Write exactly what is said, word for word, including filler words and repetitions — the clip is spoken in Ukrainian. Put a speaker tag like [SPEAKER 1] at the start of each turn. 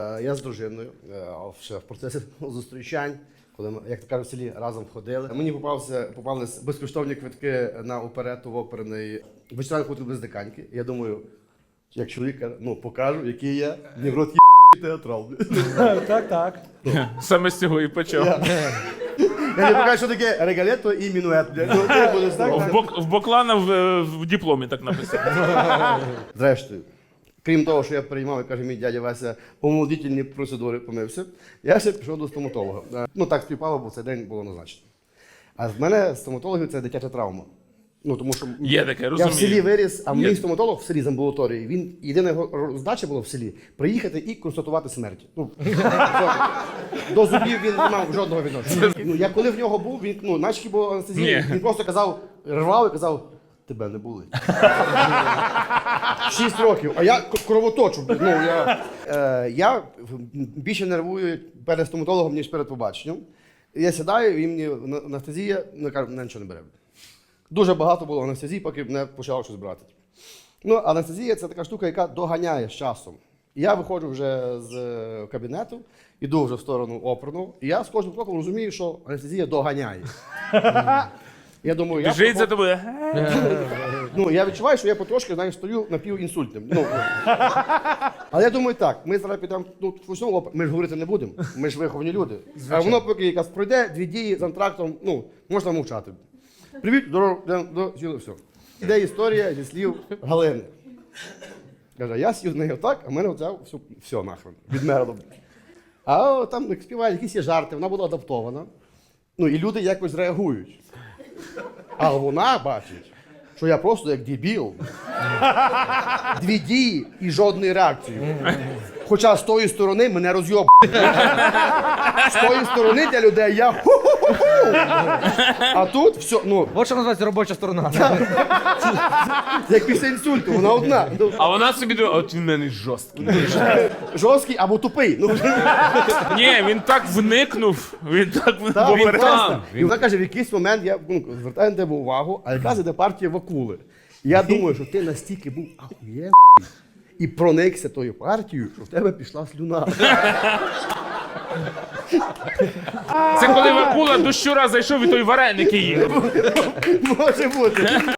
[SPEAKER 1] Я з дружиною ще в процесі зустрічань, коли ми, як то кажуть, в селі разом ходили. Мені попався, попались безкоштовні квитки на оперету в оперний вечоранку без диканьки. Я думаю, як чоловіка, ну, покажу, який я, не в рот є театрал.
[SPEAKER 2] Так, так.
[SPEAKER 3] Саме з цього і почав.
[SPEAKER 1] Я, я не покажу, що таке регалето і мінует. Ну, це буде здорово.
[SPEAKER 3] В, бок, в Боклана в, в дипломі так написано.
[SPEAKER 1] Зрештою, крім того, що я приймав, як каже мій дядя Вася, помолодительні процедури, помився, я ще пішов до стоматолога. Ну так співпало, бо цей день було назначено. А в мене стоматологів це дитяча травма. Ну, тому що
[SPEAKER 3] Є таке,
[SPEAKER 1] я
[SPEAKER 3] розумію.
[SPEAKER 1] в селі виріс, а
[SPEAKER 3] Є.
[SPEAKER 1] мій стоматолог в селі з амбулаторії, він єдина його задача була в селі приїхати і констатувати смерть. Ну, до зубів він не мав жодного відношення. Ну, я коли в нього був, він, ну, наче був анестезія,
[SPEAKER 3] Ні.
[SPEAKER 1] він просто казав, рвав і казав, тебе не були. Шість років, а я к- кровоточу. Ну, я, е, я більше нервую перед стоматологом, ніж перед побаченням. Я сідаю, і мені на- анестезія, ну, кажу, мене нічого не бере. Дуже багато було анестезії, поки мене почало щось брати. Ну, анестезія – це така штука, яка доганяє з часом. І я виходжу вже з е, кабінету, іду вже в сторону оперну, і я з кожним кроком розумію, що анестезія доганяє. Я думаю, я
[SPEAKER 3] Біжить за
[SPEAKER 1] проход-
[SPEAKER 3] тобою.
[SPEAKER 1] Ну, я відчуваю, що я потрошки, знаєш, стою напівінсультним. Ну, але я думаю, так, ми зараз підемо, ну, почнемо опер, ми ж говорити не будемо, ми ж виховані люди. А воно поки якась пройде, дві дії з антрактом, ну, можна мовчати. Привіт, здорово, йдемо до сіли, все. Іде історія зі слів Галини. Каже, я сів з нею так, а в мене оце все, все нахрен, відмерло. А о, там як співають, якісь є жарти, вона була адаптована. Ну, і люди якось реагують. А вона бачить, що я просто як дебіл. Дві дії і жодної реакції. Хоча з тої сторони мене роз'єб. З тої сторони для людей я ху-ху-ху-ху. А тут все, ну,
[SPEAKER 2] От що називається робоча сторона.
[SPEAKER 1] як після інсульту, вона одна. Ну,
[SPEAKER 3] А вона собі думає, от він в мене жорсткий.
[SPEAKER 1] жорсткий або тупий. Ну,
[SPEAKER 3] Ні, він так вникнув, він так
[SPEAKER 1] так,
[SPEAKER 3] бо
[SPEAKER 1] він
[SPEAKER 3] перед-
[SPEAKER 1] просто. І вона каже, в якийсь момент я ну, звертаю на тебе увагу, а якраз іде партія Вакули. І я думаю, що ти настільки був ахуєнний і проникся тою партією, що в тебе пішла слюна.
[SPEAKER 3] Це коли Вакула до щура зайшов і той вареники їв.
[SPEAKER 1] Може бути.